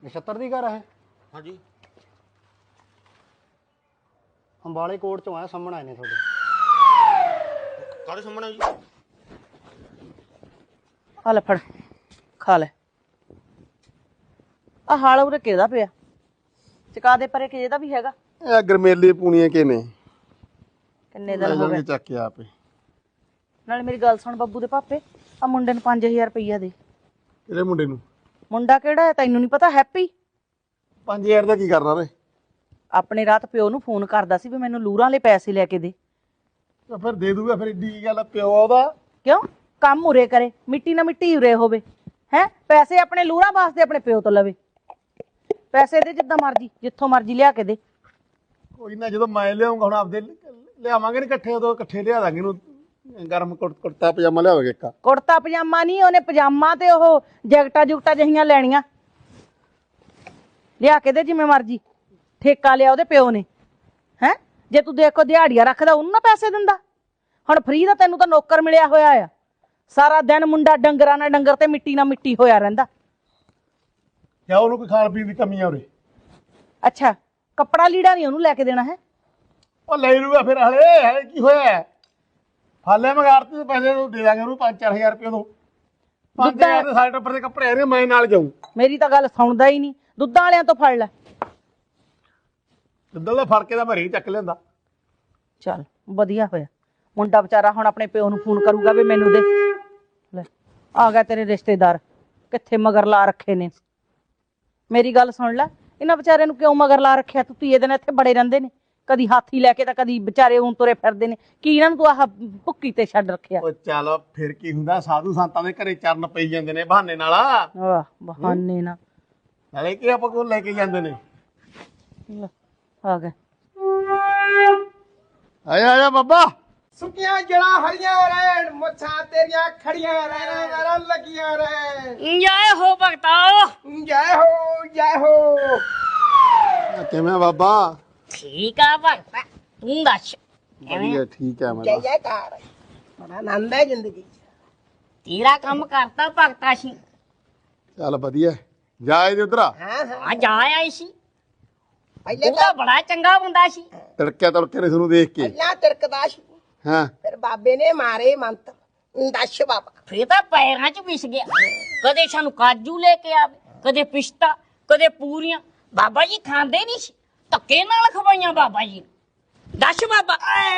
ਨਛੱਤਰ ਦੀ ਘਰ ਹੈ? ਹਾਂਜੀ। ਅੰਬਾਲੇ ਕੋਟ ਚੋਂ ਆਇਆ, ਸਾਹਮਣੇ ਆਏ ਨੇ ਤੁਹਾਡੇ। ਕਾਹਦੇ ਸਾਹਮਣੇ ਜੀ? ਆ ਲੈ ਫੜ ਖਾ ਲੈ। ਆ ਹਾਲ ਉਰੇ ਕਿਹਦਾ ਪਿਆ? ਚਕਾ ਦੇ ਪਰੇ ਕਿਹਦਾ ਵੀ ਹੈਗਾ। ਇਹ ਗਰਮੇਲੇ ਪੂਣੀਆਂ ਕੇ ਨੇ, ਕਿੰਨੇ ਦਿਨ ਹੋ ਗਏ ਚੱਕ ਕੇ ਆਪੇ। ਨਾਲ ਮੇਰੀ ਗੱਲ ਸੁਣ ਬੱਬੂ ਦੇ ਪਾਪੇ, ਆ ਮੁੰਡੇ ਨੂੰ 5000 ਰੁਪਈਆ ਦੇ। ਇਹਦੇ ਮੁੰਡੇ ਨੂੰ ਮੁੰਡਾ ਕਿਹੜਾ ਹੈ ਤੈਨੂੰ ਨਹੀਂ ਪਤਾ? ਹੈਪੀ। 5000 ਦਾ ਕੀ ਕਰਨਾ ਰੇ? ਆਪਣੇ ਰਾਤ ਪਿਓ ਨੂੰ ਫੋਨ ਕਰਦਾ ਸੀ ਵੀ ਮੈਨੂੰ ਲੂਰਾਂ ਵਾਲੇ ਪੈਸੇ ਲੈ ਕੇ ਦੇ। ਤਾਂ ਫਿਰ ਦੇ ਦੂਗਾ, ਫਿਰ ਏਡੀ ਕੀ ਗੱਲ? ਪਿਓ ਉਹਦਾ ਕਿਉਂ? ਕੰਮ ਉਰੇ ਕਰੇ, ਮਿੱਟੀ ਨਾ ਮਿੱਟੀ ਉਰੇ ਹੋਵੇ। ਹੈ ਪੈਸੇ ਆਪਣੇ ਲੂਰਾਂ ਵਾਸਤੇ ਆਪਣੇ ਪਿਓ ਤੋਂ ਲਵੇ। ਪੈਸੇ ਦੇ ਜਿੱਦਾਂ ਮਰਜੀ, ਜਿੱਥੋਂ ਮਰਜੀ ਲਿਆ ਕੇ ਦੇ। ਕੋਈ ਨਾ, ਜਦੋਂ ਮੈਂ ਲਿਆਉਂਗਾ ਹੁਣ ਆਪਦੇ ਲਿਆਵਾਂਗੇ ਨੀ ਇਕੱਠੇ, ਉਦੋਂ ਇਕੱਠੇ ਲਿਆ ਦਾਂਗੇ ਇਹਨੂੰ। ਗਰਮ ਕੁੜਤਾ ਪਜਾਮਾ ਲਿਆਵਾਂਗੇ ਇੱਕ। ਕੁੜਤਾ ਪਜਾਮਾ ਨਹੀਂ, ਉਹਨੇ ਪਜਾਮਾ ਤੇ ਉਹ ਜੈਕਟਾਂ ਜੁਕਟਾਂ ਜਿਹੀਆਂ ਲੈਣੀਆਂ। ਲਿਆ ਕੇ ਦੇ ਜਿਵੇਂ ਮਰਜੀ। ਠੇਕਾ ਲਿਆ ਉਹਦੇ ਪਿਓ ਨੇ। ਹੈ ਜੇ ਤੂੰ ਦੇਖੋ ਦਿਹਾੜੀਆਂ ਰੱਖਦਾ ਉਹਨੂੰ ਨਾ ਪੈਸੇ ਦਿੰਦਾ। ਹੁਣ ਫਰੀ ਦਾ ਤੈਨੂੰ ਤਾਂ ਨੌਕਰ ਮਿਲਿਆ ਹੋਇਆ ਆ। ਸਾਰਾ ਦਿਨ ਮੁੰਡਾ ਡੰਗਰਾਂ ਨਾਲ ਡੰਗਰ ਤੇ ਮਿੱਟੀ ਨਾਲ ਮਿੱਟੀ ਹੋਇਆ ਰਹਿੰਦਾ। ਕਿਆ ਉਹਨੂੰ ਕੋਈ ਖਾਣ ਪੀਣ ਦੀ ਕਮੀ ਆ ਉਰੇ? ਅੱਛਾ, ਕੱਪੜਾ ਲੀੜਾ ਨਹੀਂ ਉਹਨੂੰ ਲੈ ਕੇ ਦੇਣਾ ਹੈ? ਉਹ ਲੈ ਲੂਗਾ ਫਿਰ। ਹਲੇ ਕੀ ਹੋਇਆ? ਹਾਲੇ ਮਗਾਰਤੀ ਦੇ ਪੈਸੇ ਦੇ ਦਾਂਗੇ ਉਹਨੂੰ 5-4000 ਰੁਪਏ ਤੋਂ। 5000 ਦੇ ਸਾਡੇ ਟੱਬਰ ਦੇ ਕੱਪੜੇ ਆ ਰਹੇ, ਮੈਂ ਨਾਲ ਜਾਊਂ। ਮੇਰੀ ਤਾਂ ਗੱਲ ਸੁਣਦਾ ਹੀ ਨਹੀਂ। ਦੁੱਧਾਂ ਵਾਲਿਆਂ ਤੋਂ ਫੜ ਲੈ। ਜਿੱਦਾਂ ਦਾ ਫੜ ਕੇ ਦਾ ਭਰੀ ਚੱਕ ਲਿਆਂਦਾ। ਚੱਲ ਵਧੀਆ ਹੋਇਆ। ਮੁੰਡਾ ਵਿਚਾਰਾ ਹੁਣ ਆਪਣੇ ਪਿਓ ਨੂੰ ਫੋਨ ਕਰੂਗਾ ਵੀ ਮੈਨੂੰ ਦੇ। ਲੈ ਆ ਗਿਆ ਤੇਰੇ ਰਿਸ਼ਤੇਦਾਰ, ਕਿੱਥੇ ਮਗਰ ਲਾ ਰੱਖੇ ਨੇ। ਮੇਰੀ ਗੱਲ ਸੁਣ ਲੈ, ਇਹਨਾਂ ਵਿਚਾਰਿਆਂ ਨੂੰ ਕਿਉਂ ਮਗਰ ਲਾ ਰੱਖਿਆ? ਤੂੰ ਧੀਏ ਦਿਨ ਇੱਥੇ ਬੜੇ ਰਹਿੰਦੇ ਨੇ, ਕਦੀ ਹਾਥੀ ਲੈ ਕੇ ਤਾਂ ਕਦੀ ਵਿਚਾਰੇ ਉਂ ਤੁਰੇ ਫਿਰਦੇ ਨੇ। ਕੀ ਇਹਨਾਂ ਨੂੰ ਤੂੰ ਆਹ ਭੁੱਕੀ ਤੇ ਛੱਡ ਰੱਖਿਆ? ਉਹ ਚੱਲ ਫਿਰ ਕੀ ਹੁੰਦਾ, ਸਾਧੂ ਸੰਤਾਂ ਦੇ ਘਰੇ ਚਰਨ ਪਈ ਜਾਂਦੇ ਨੇ ਬਹਾਨੇ ਨਾਲ। ਆਹ ਬਹਾਨੇ ਨਾ। ਨਾਲੇ ਕੀ ਆਪਾਂ ਕੋਲ ਲੈ ਕੇ ਜਾਂਦੇ ਨੇ। ਲੈ, ਆ ਗਿਆ। ਆਇਆ ਬਾਬਾ। ਸੁੱਕੀਆਂ ਜੜਾਂ ਹਰੀਆਂ ਰਹਿਣ, ਮੁੱਛਾਂ ਤੇਰੀਆਂ ਖੜੀਆਂ ਰਹਿਣ, ਮੇਰਾ ਲੱਗੀਆਂ ਰਹਿਣ। ਜੈ ਹੋ ਭਗਤਾ। ਜੈ ਹੋ ਜੈ ਹੋ। ਕਿਵੇਂ ਬਾਬਾ? ਠੀਕ ਆ ਭਗਤਾ, ਤੂੰ ਦੱਸ। ਵਧੀਆ, ਠੀਕ ਹੈ। ਜੈ ਜੈਕਾਰ। ਬੜਾ ਆਨੰਦ ਹੈ ਜ਼ਿੰਦਗੀ 'ਚ। ਤੇਰਾ ਕੰਮ ਕਰਤਾ ਭਗਤਾ ਸੀ। ਚੱਲ ਵਧੀਆ। ਜਾ ਇਹਦੇ ਉਧਰ ਆ। ਹਾਂ ਹਾਂ, ਆ ਜਾ ਆਈ ਸੀ। ਪਹਿਲੇ ਉਹ ਤਾਂ ਬੜਾ ਚੰਗਾ ਬੰਦਾ ਸੀ। ਤੜਕਿਆ ਤੜਕੇ ਨੇ ਤੁਹਾਨੂੰ ਦੇਖ ਕੇ। ਪਹਿਲਾਂ ਤਿਰਕਦਾ ਸੀ, ਹਾਂ, ਫਿਰ ਬਾਬੇ ਨੇ ਮਾਰੇ ਮੰਤਰ। ਦੱਸ ਬਾਬਾ। ਫੇਰ ਤਾਂ ਪੈਰਾਂ 'ਚ ਵਿਸ ਗਿਆ। ਕਦੇ ਸਾਨੂੰ ਕਾਜੂ ਲੈ ਕੇ ਆਵੇ, ਕਦੇ ਪਿਸਤਾ, ਕਦੇ ਪੂਰੀਆਂ। ਬਾਬਾ ਜੀ ਖਾਂਦੇ ਨਹੀਂ ਸੀ, ਧੱਕੇ ਨਾਲ ਖਵਾਈਆਂ ਬਾਬਾ ਜੀ ਨੇ। ਦੱਸ ਬਾਬਾ।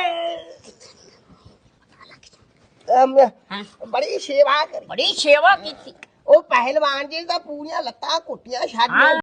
ਹਾਂ, ਬੜੀ ਸੇਵਾ ਕਰੀ। ਬੜੀ ਸੇਵਾ ਕੀਤੀ। ਉਹ ਪਹਿਲਵਾਨ ਜੀ ਦਾ ਪੂਰੀਆਂ ਲੱਤਾਂ ਕੁੱਟੀਆਂ ਛੱਡ ਹਾਂ।